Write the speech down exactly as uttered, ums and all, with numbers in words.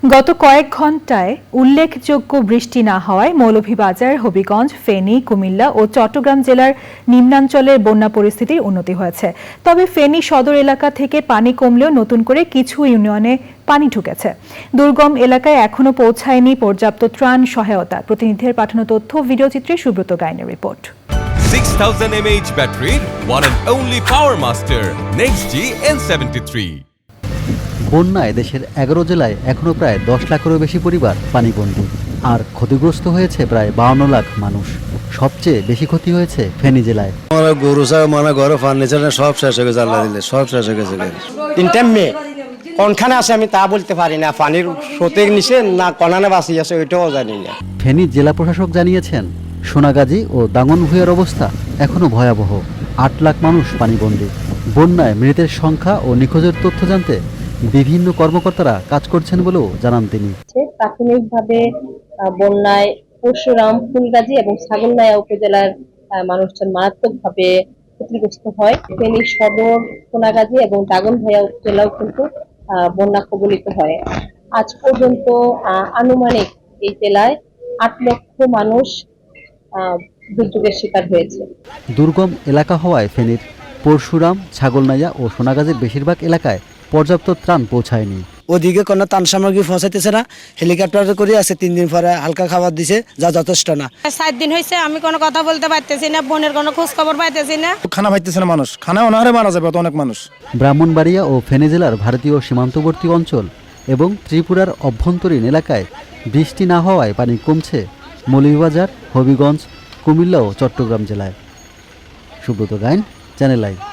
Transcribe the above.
গত কয়েক ঘণ্টায় উল্লেখযোগ্য বৃষ্টি না হওয়ায় মৌলভীবাজার, হবিগঞ্জ, ফেনী, কুমিল্লা ও চট্টগ্রাম জেলার নিম্নাঞ্চলের বন্যা পরিস্থিতির উন্নতি হয়েছে। তবে ফেনী সদর এলাকা থেকে পানি কমলেও নতুন করে কিছু ইউনিয়নে পানি ঢুকেছে। দুর্গম এলাকায় এখনো পৌঁছায়নি পর্যাপ্ত ত্রাণ সহায়তা। প্রতিনিধির পাঠানো তথ্য ভিডিওচিত্রে সুব্রত গাইনের report. six thousand milliamp hour battery, one and only Power Master, Next G N seventy-three. বন্যায় দেশের এগারো জেলায় এখনো প্রায় দশ লাখেরও বেশি পরিবার পানিবন্দী, আর ক্ষতিগ্রস্ত হয়েছে প্রায় বাউন্ন লাখ মানুষ। সবচেয়ে বেশি ক্ষতি হয়েছে ফেনী জেলায়। গরু মানে ঘরে ফার্নিচার সব শেষ হয়ে গেছে, আল্লাহ দিলে সব শেষ হয়ে গেছে। তিনটা মেয়ে কোনখানে আছে আমি তা বলতে পারি না, পানির স্রোতের নিচে না কনানে বাঁচি আছে ওইটাও জানি না। ফেনী জেলা প্রশাসক জানিয়েছেন, সোনাগাজী ও দাঙ্গনভূঞার অবস্থা এখনো ভয়াবহ। আট লাখ মানুষ পানিবন্দী। বন্যায় মৃতের সংখ্যা ও নিখোঁজের তথ্য জানতে বিভিন্ন কর্মকর্তারা কাজ করছেন বলেও জানান তিনি। প্রাথমিকভাবে বন্যায় পরশুরাম, ফুলগাজী এবং ছাগলনাইয়া উপজেলার মানুষজন মারাত্মকভাবে ক্ষতিগ্রস্ত হয়। ফেনী সদর, সোনাগাজী এবং দাগনভূঞা উপজেলাও কিন্তু বন্যা কবলিত হয়। আজ পর্যন্ত আনুমানিক এই জেলায় আট লক্ষ মানুষ দুর্যোগের শিকার হয়েছে। দুর্গম এলাকা হওয়ায় ফেনীর পরশুরাম, ছাগলনাইয়া ও সোনাগাজীর বেশিরভাগ এলাকায় পর্যাপ্ত ত্রাণ পৌঁছায়নি। ওদিকে কোনো ত্রাণ সামগ্রী পৌঁছাইতেছে না। হেলিকপ্টার করে আছে, তিন দিন পরে হালকা খাবার দিছে, যা যথেষ্ট না। সাত দিন হয়েছে আমি কোনো কথা বলতে পারতেছি না, বোনের কোনো খোঁজ খবর পাইতেছি না। খানা পাইতেছে না মানুষ, খানা অনাহারে মারা যাবে অনেক মানুষ। ব্রাহ্মণবাড়িয়া ও ফেনী জেলার ভারতীয় সীমান্তবর্তী অঞ্চল এবং ত্রিপুরার অভ্যন্তরীণ এলাকায় বৃষ্টি না হওয়ায় পানি কমছে মৌলভীবাজার, হবিগঞ্জ, কুমিল্লা ও চট্টগ্রাম জেলায়। Subrata Gain, channel I.